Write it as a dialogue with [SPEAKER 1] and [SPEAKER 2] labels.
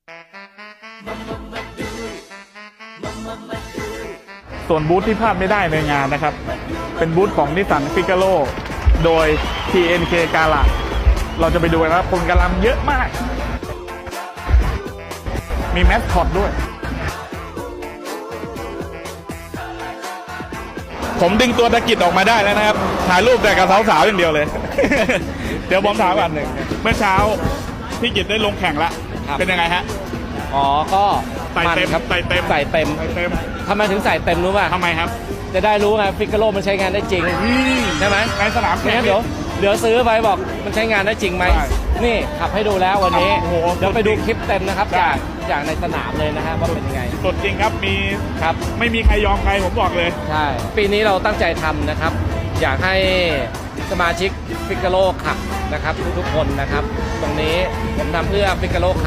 [SPEAKER 1] ส่วนบูธที่พลาดไม่ได้ในงานนะครับเป็นบูธของนิสสันฟิกาโร่โดย TNK กาลาเราจะไปดูนะครับคนกำลังเยอะมากมีแมสคอตด้วยผมดึงตัวตะกิดออกมาได้แล้วนะครับถ่ายรูปแต่กับสาวๆอย่างเดียวเลย เดี๋ยวผมถามก่อนเมื่อเช้าพี่กิตได้ลงแข่งละเป็นยังไงฮะ
[SPEAKER 2] อ๋อก็
[SPEAKER 1] ใส่เต็มครับใส่เต็ม
[SPEAKER 2] ทำไมถึงใส่เต็มรู้ป่ะ
[SPEAKER 1] ทำไมครับ
[SPEAKER 2] จะได้รู้ไงฟิกาโร่มันใช้งานได้จริงใช่ไหม
[SPEAKER 1] ในสนามแข่ง
[SPEAKER 2] เดี๋ยวซื้อไปบอกมันใช้งานได้จริงไหมนี่ขับให้ดูแล้ววันนี้เดี๋ยวไปดูคลิปเต็มนะครับจากในสนามเลยนะฮะว่าเป็นยังไง
[SPEAKER 1] สดจริงครับมี
[SPEAKER 2] ครับ
[SPEAKER 1] ไม่มีใครยอมใครผมบอกเลย
[SPEAKER 2] ใช่ปีนี้เราตั้งใจทำนะครับอยากให้สมาชิกฟิกาโร่ขับนะครับทุกๆคนนะครับตรงนี้ผมทำเพื่อฟิกาโร่